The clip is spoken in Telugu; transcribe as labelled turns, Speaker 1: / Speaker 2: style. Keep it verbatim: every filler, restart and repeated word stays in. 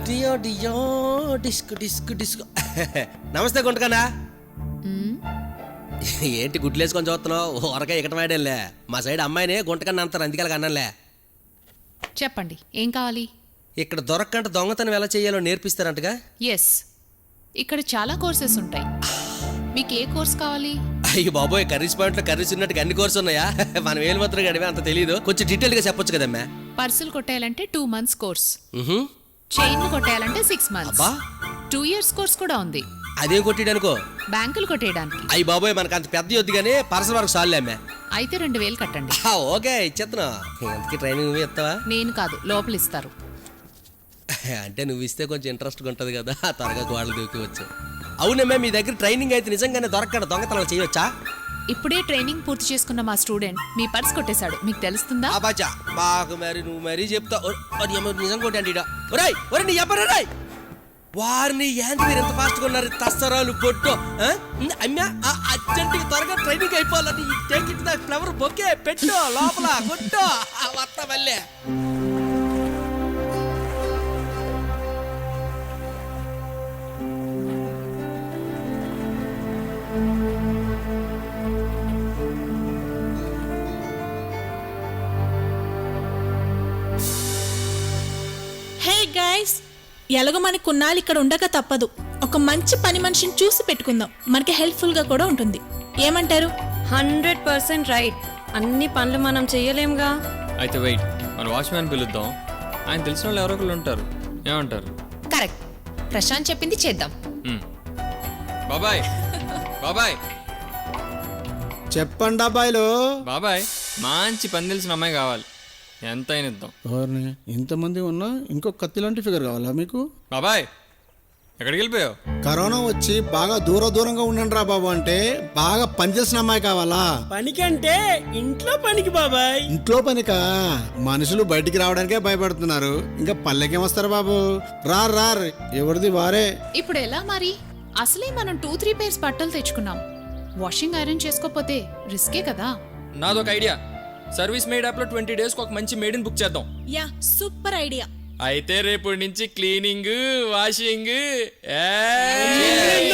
Speaker 1: డియో డియో డిస్క్ డిస్క్ డిస్క్ నమస్తే గుంటకన్నా. ఏంటి గుడ్లు వేసుకొని చూస్తున్నావు? ఊరగా ఇక్కడ వాడేలే. మా సైడ్ అమ్మాయినే గుంటకన్నా అంటారు, అందుకే అన్నాలే.
Speaker 2: చెప్పండి, ఏం కావాలి?
Speaker 1: ఇక్కడ దొరక్కంట దొంగతనం ఎలా చేయాలో నేర్పిస్తారంటగా?
Speaker 2: ఎస్, ఇక్కడ చాలా కోర్సెస్ ఉంటాయి. మీకు ఏ కోర్స్ కావాలి?
Speaker 1: అయ్యి బాబోయ్, కర్రీస్ పాయింట్లో కర్రీస్ ఉన్నట్టుగా అన్ని కోర్సు ఉన్నాయా? మనం ఏలు మాత్రం గడివే అంత తెలియదు. కొంచెం డీటెయిల్ గా చెప్పొచ్చు కదమ్మా.
Speaker 2: పర్సులు కొట్టేయాలంటే టూ మంత్స్ కోర్స్, చైన్లు కొట్టేయాలంటే six months, two years course కూడా ఉంది.
Speaker 1: అదేం కొట్టేయడానికో?
Speaker 2: బ్యాంకులు కొట్టేయడానికి.
Speaker 1: అయ్యి బాబోయ్, మనకు అంత పెద్ద వద్దు కానీ పర్సల వరకు సార్లే అమ్మా.
Speaker 2: అయితే రెండు వేలు కట్టండి.
Speaker 1: ఓకే, ఇచ్చేస్తున్నా. ఎంతకి ట్రైనింగ్ నువ్వు ఇస్తావా?
Speaker 2: నేను కాదు, లోపల ఇస్తారు.
Speaker 1: అంటే నువ్వు ఇస్తే కొంచెం ఇంట్రెస్ట్గా ఉంటుంది కదా, త్వరగా వాళ్ళు దూకివచ్చు. అవునమ్మా, మీ దగ్గర ట్రైనింగ్ అయితే నిజంగానే దొరకడ దొంగతనం చేయవచ్చా?
Speaker 2: ఇప్పుడే ట్రైనింగ్ పూర్తి చేసుకున్న మా స్టూడెంట్ మీ పర్స్ కొట్టేశాడు, మీకు తెలుస్తుందా?
Speaker 1: అబాచా, బాగా మరి నువ్వు మరీ చెప్తావు. నిజం కొట్టండి. ఒరేయ్ ఒరే నీ ఎవ్వరు రాయ్ వారిని ఏంటి మీరు ఎంత ఫాస్ట్గా ఉన్నారు? తస్తరాలు పొట్టు అమ్మా, అర్జెంట్గా త్వరగా ట్రైనింగ్ అయిపోవాలని take it the flower bouquet పెట్టు లోపల కొట్టు వస్తా మళ్ళీ.
Speaker 3: హే గైస్, ఎలాగో మనకి కొన్నాళ్ళు ఇక్కడ ఉండక తప్పదు. ఒక మంచి పని మనిషిని చూసి పెట్టుకుందాం, మనకి హెల్ప్ఫుల్ గా కూడా ఉంటుంది. ఏమంటారు?
Speaker 4: Hundred percent right. అన్ని పనులు మనం చెయ్యలేంగా.
Speaker 5: అయితే వెయిట్, మన వాచ్మ్యాన్ పిలుద్దాం. ఆయన తెలిసిన వాళ్ళు ఎవరో ఒకరు ఉంటారు. ఏమంటారు?
Speaker 2: కరెక్ట్, ప్రశాంత్ చెప్పింది చేద్దాం.
Speaker 5: బాబాయ్ బాబాయ్
Speaker 6: చెప్పండి అబ్బాయిలు.
Speaker 5: బాబాయ్, మంచి పని తెలిసిన అమ్మాయి కావాలి, ఎంత అయినా ఇద్దాం.
Speaker 6: ఎవరిని? ఇంతమంది ఉన్నా ఇంకో కత్తి లాంటి ఫిగర్ కావాలా మీకు?
Speaker 5: బాబాయ్, ఎక్కడికి వెళ్ళిపోయావు?
Speaker 6: కరోనా వచ్చి బాగా దూర దూరంగా ఉండండి రా బాబు అంటే బాగా పనిచేసిన అమ్మాయి కావాలా?
Speaker 7: పనికంటే ఇంట్లో పనికి బాబాయ్.
Speaker 6: ఇంట్లో పనికా? మనుషులు బయటికి రావడానికే భయపడుతున్నారు, ఇంకా పల్లెకేం వస్తారు బాబు? రార్ రార్, ఎవరిది వారే.
Speaker 2: ఇప్పుడు ఎలా మరి? అసలే మనం టూ త్రీ పేర్స్ బట్టలు తెచ్చుకున్నాం, వాషింగ్ ఐరన్ చేసుకోపోతే రిస్కే కదా.
Speaker 5: నాదొక ఐడియా. సర్వీస్ మేడ్ యాప్ లో ట్వంటీ డేస్ ఒక మంచి మేడ్ బుక్ చేద్దాం.
Speaker 3: Yeah, super idea.
Speaker 5: అయితే రేపు నుంచి క్లీనింగ్ వాషింగ్